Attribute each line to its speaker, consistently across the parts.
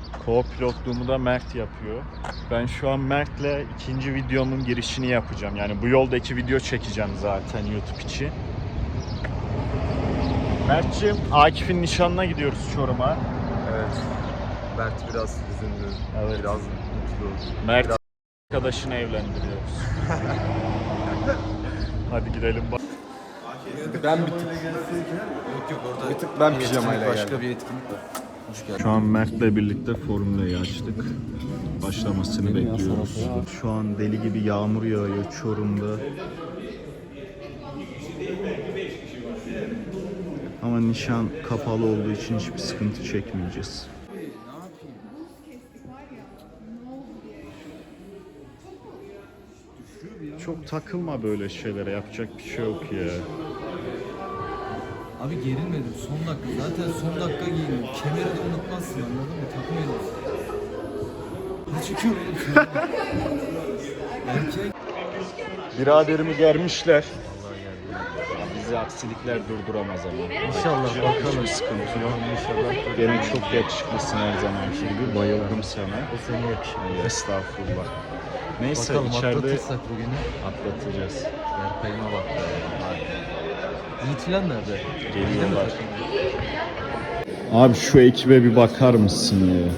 Speaker 1: Co-pilotluğumu da Mert yapıyor. Ben şu an Mert'le ikinci videomun girişini yapacağım. Yani bu yolda 2 video çekeceğim zaten YouTube için. Mert'ciğim, Akif'in nişanına gidiyoruz Çorum'a.
Speaker 2: Evet. Mert biraz üzüldü.
Speaker 1: Evet.
Speaker 2: Biraz mutlu.
Speaker 1: Mert arkadaşını evlendiriyoruz. Hadi gidelim bak.
Speaker 2: Ben bir tık... Yok orada... Bir tık ben pijamayla geldim. Başka bir etkinlik var. Hoş geldin.
Speaker 1: Şu an Mert'le birlikte Formula'yı açtık. Başlamasını bekliyoruz. Şu an deli gibi yağmur yağıyor Çorum'da. Ama nişan kapalı olduğu için hiçbir sıkıntı çekmeyeceğiz. Çok takılma böyle şeylere, yapacak bir şey yok ya.
Speaker 3: Abi gerilmedim son dakika. Zaten son dakika giyindim. Kemeri de unutmazsın, anladın mı? Takım elbise. Ne çıkıyor oğlum? Erkek.
Speaker 1: Biraderimi germişler. Bizi aksilikler durduramaz ama.
Speaker 3: İnşallah bakalım.
Speaker 1: Hiçbir sıkıntı yok. İnşallah. Gene çok yakışıklısın her zamanki gibi. Bayıldım sana.
Speaker 3: O seni yakışmıyor.
Speaker 1: Estağfurullah. Neyse
Speaker 3: Bakalım
Speaker 1: içeride
Speaker 3: atlatırsak bugünü.
Speaker 1: atlatacağız.
Speaker 3: Berkay'ıma bak. Yiğit filan nerede?
Speaker 1: Geliyorlar. Abi şu ekibe bir bakar mısın ya?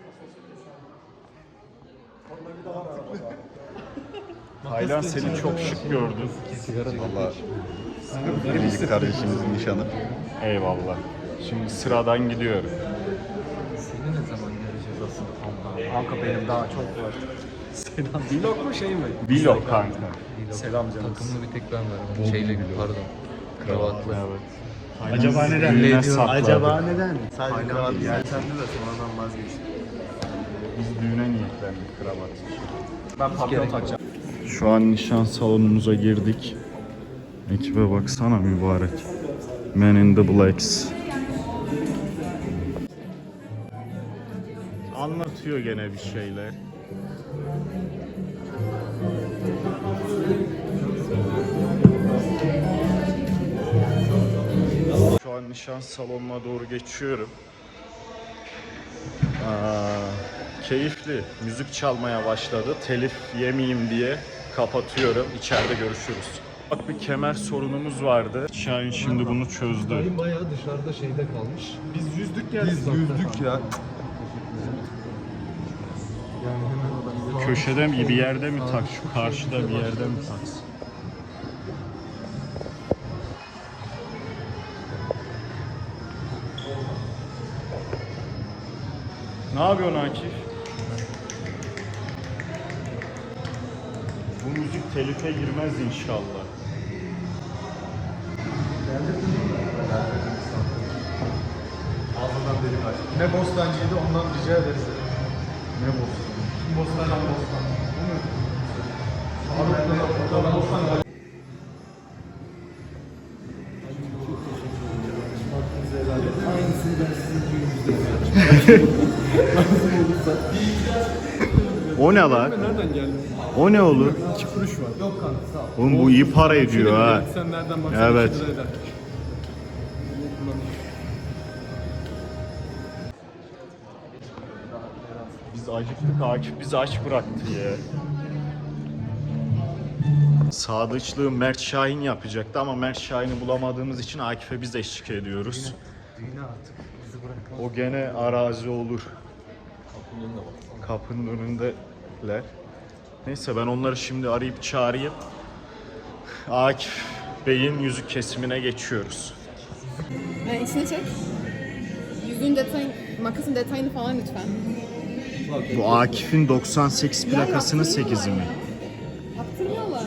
Speaker 1: Taylan seni çok şık gördüm.
Speaker 2: Valla biricik kardeşimizin nişanı.
Speaker 1: Eyvallah. Şimdi sıradan gidiyorum.
Speaker 3: Seni ne zaman göreceğiz asıl?
Speaker 2: Kanka benim daha çok var. Selam. Vlog mu şey mi?
Speaker 1: Vlog kanka.
Speaker 2: Selam canım.
Speaker 3: Takımını bir tek ben verdim. Şeyle pardon. Kravatlı.
Speaker 1: Evet.
Speaker 4: Acaba neden?
Speaker 1: Düğüne
Speaker 3: Acaba
Speaker 1: sakladı.
Speaker 4: Acaba neden?
Speaker 2: Sadece kravat yeltendi de sonradan vazgeçtim.
Speaker 1: Biz düğüne niyetlendik kravat.
Speaker 2: Ben papyon takacağım.
Speaker 1: Şu an nişan salonumuza girdik. Ekibe baksana mübarek. Men in the Blacks. Anlatıyor gene bir şeyler. Şu an nişan salonuna doğru geçiyorum. Keyifli. Müzik çalmaya başladı. Telif yemeyeyim diye kapatıyorum. İçeride görüşürüz. Bak bir kemer sorunumuz vardı. Şahin şimdi bunu çözdü.
Speaker 3: Benim bayağı dışarıda şeyde kalmış.
Speaker 4: Biz yüzdük geldik.
Speaker 2: Biz yüzdük ya.
Speaker 1: Köşede mi bir yerde mi tak? Şu karşıda bir yerde mi taksın? Ne yapıyorsun Akif? Bu müzik telife girmez inşallah.
Speaker 2: Ağzından delik aç. Ne bostancıydı ondan rica ederiz.
Speaker 1: Ne bozsun?
Speaker 2: Bostandan bostan. Faruk'tan bostan.
Speaker 3: Aynısını ben sizin düğününüzde yapacağım.
Speaker 1: O ne lan?
Speaker 4: Nereden geldin?
Speaker 1: O ne olur?
Speaker 4: 2 kuruş var. Yok kanka sağ ol.
Speaker 1: Oğlum bu iyi para ediyor ha.
Speaker 4: Sen nereden baksan
Speaker 1: Evet.
Speaker 4: 2 lira eder.
Speaker 1: Biz acıktık, Akif bizi aç bıraktı ya. Sadıçlığı Mert Şahin yapacaktı ama Mert Şahin'i bulamadığımız için Akif'e biz eşlik ediyoruz.
Speaker 3: Düğüne artık bizi bırakmaz.
Speaker 1: O gene arazi olur. Kapının önündeler. Neyse ben onları şimdi arayıp çağırayım. Akif Bey'in yüzük kesimine geçiyoruz.
Speaker 5: İçine çek. Yüzüğün detayını, makasın detayını falan lütfen.
Speaker 1: Bu Akif'in 98 plakasının 8'i mi?
Speaker 5: Yaptırmıyorlar.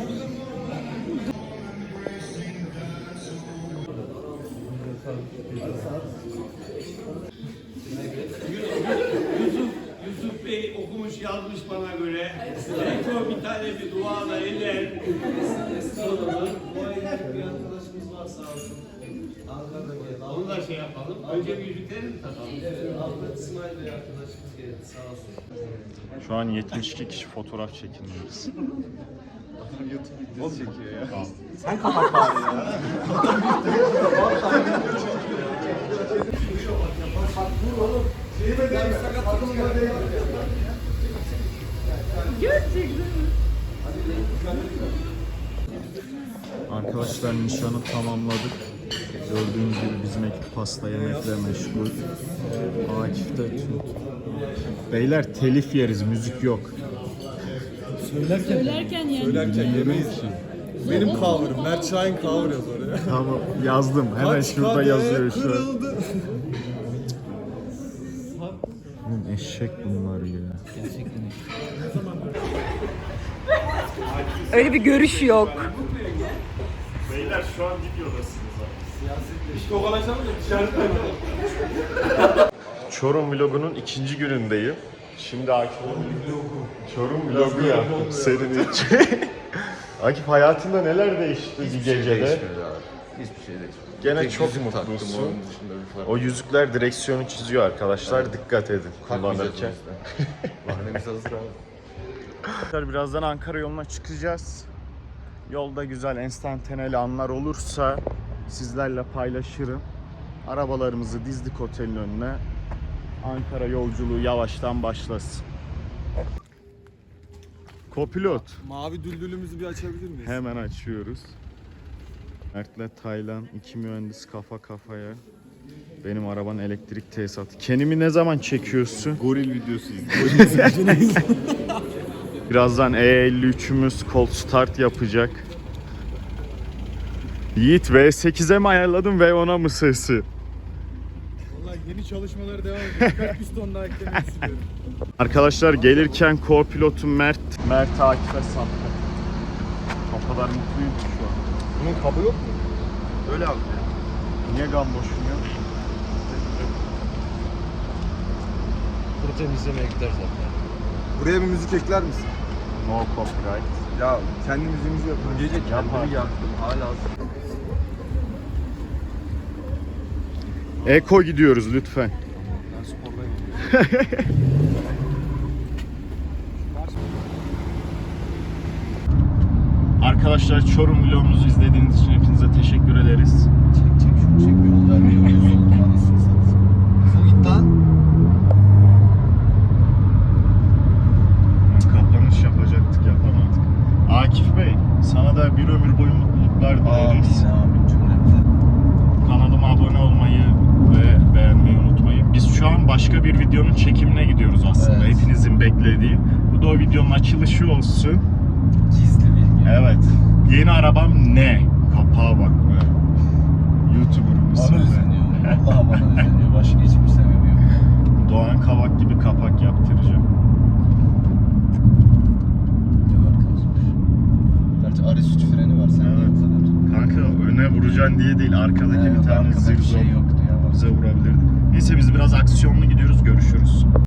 Speaker 6: Yusuf Bey okumuş yazmış bana göre. Rektor bir tane bir dua da eder. Estağfurullah. Bu ayda bir arkadaşımız var sağ olsun. Ankara'da geldi. Onu da şey yapalım. Önce bir yüzükleri mi takalım? Evet. Ahmet İsmail Bey arkadaşımız geldi sağ olsun.
Speaker 1: Şu an 72 kişi fotoğraf çekiniyoruz.
Speaker 2: YouTube videosu çekiyor ya.
Speaker 4: Sen kapat bari ya.
Speaker 6: Bak dur oğlum.
Speaker 1: Arkadaşlar nişanı tamamladık. Gördüğünüz gibi bizim ekip pasta yemekle meşgul. Akif de tut. Beyler telif yeriz, müzik yok.
Speaker 5: Söylerken yani.
Speaker 4: Söylerken yemeyiz. Benim cover'ım. Mert Şahin cover yaz oraya.
Speaker 1: Tamam yazdım. Hemen şurada yazıyor şu an.
Speaker 4: Kırıldı.
Speaker 1: Oğlum eşek bunlar ya.
Speaker 7: Öyle bir görüş yok.
Speaker 1: Beyler şu an videodasınız. Çorum vlogunun 2. günündeyim. Şimdi Akif'in Çorum vlogu yaptım senin için. Akif hayatında neler değişti bir gecede?
Speaker 2: Hiçbir şey değişmedi.
Speaker 1: Gene
Speaker 2: Tek
Speaker 1: çok
Speaker 2: yüzük taktım,
Speaker 1: mutlusun.
Speaker 2: onun dışında bir fark
Speaker 1: O yüzükler direksiyonu çiziyor arkadaşlar. Dikkat edin kullanırken.
Speaker 2: Bahanemiz hazır abi.
Speaker 1: Birazdan Ankara yoluna çıkacağız. Yolda güzel enstantaneli anlar olursa sizlerle paylaşırım. Arabalarımızı dizdik otelin önüne. Ankara yolculuğu yavaştan başlasın. Kopilot.
Speaker 4: Mavi düldülümüzü bir açabilir miyiz?
Speaker 1: Hemen açıyoruz. Mert'le Taylan, iki mühendis kafa kafaya. Benim arabanın elektrik tesisatı. Kendimi ne zaman çekiyorsun?
Speaker 4: Goril videosu izliyoruz.
Speaker 1: Birazdan E53'ümüz cold start yapacak. Yiğit V8'e mi ayarladın V10'a mı sesi?
Speaker 4: Vallahi yeni çalışmaları devam ediyor. Birkaç piston daha eklemeyi istiyorum.
Speaker 1: Arkadaşlar gelirken co-pilotum Mert Akif'e sattı. O kadar mutluyum ki şu an.
Speaker 2: Bunun kabı yok mu? Öyle abi.
Speaker 1: Niye gamboşum ya?
Speaker 3: Kuru temizlemeye gider zaten.
Speaker 2: Buraya bir müzik ekler misin?
Speaker 1: No copyright.
Speaker 2: Ya kendi müziğimizi yapalım. Gece kendimi yaktım. Hala
Speaker 1: Eko gidiyoruz lütfen.
Speaker 2: ben spordayım.
Speaker 1: Arkadaşlar Çorum vlogumuzu izlediğiniz için hepinize teşekkür ederiz.
Speaker 3: Çek şunu çek bir yol vermiyor. Git lan.
Speaker 1: Kapanış yapacaktık yapamadık. Akif Bey sana da bir ömür boyu mutluluklar dileriz.
Speaker 3: Amin cümlemize.
Speaker 1: Kanalıma abone olmayı ve beğenmeyi unutmayın. Biz şu an başka bir videonun çekimine gidiyoruz aslında.
Speaker 3: Evet.
Speaker 1: Hepinizin beklediği. Bu da o videonun açılışı olsun.
Speaker 3: Gizli bilgi.
Speaker 1: Evet. Yeni arabam ne? Kapağa bak be. YouTuber'ımız.
Speaker 3: Bana özeniyor. Vallahi bana özeniyor. Başka hiçbir sebebi yok.
Speaker 1: Doğan Kavak gibi kapak yaptıracağım.
Speaker 3: Gerçi Ares 3 freni var. Sen niye bu kadar?
Speaker 1: Kanka öne vuracaksın diye değil. Arkadaki bir tane
Speaker 3: arkada bir
Speaker 1: zırh
Speaker 3: şey yoktu ya.
Speaker 1: bize vurabilirdi. Neyse biz biraz aksiyonlu gidiyoruz. Görüşürüz.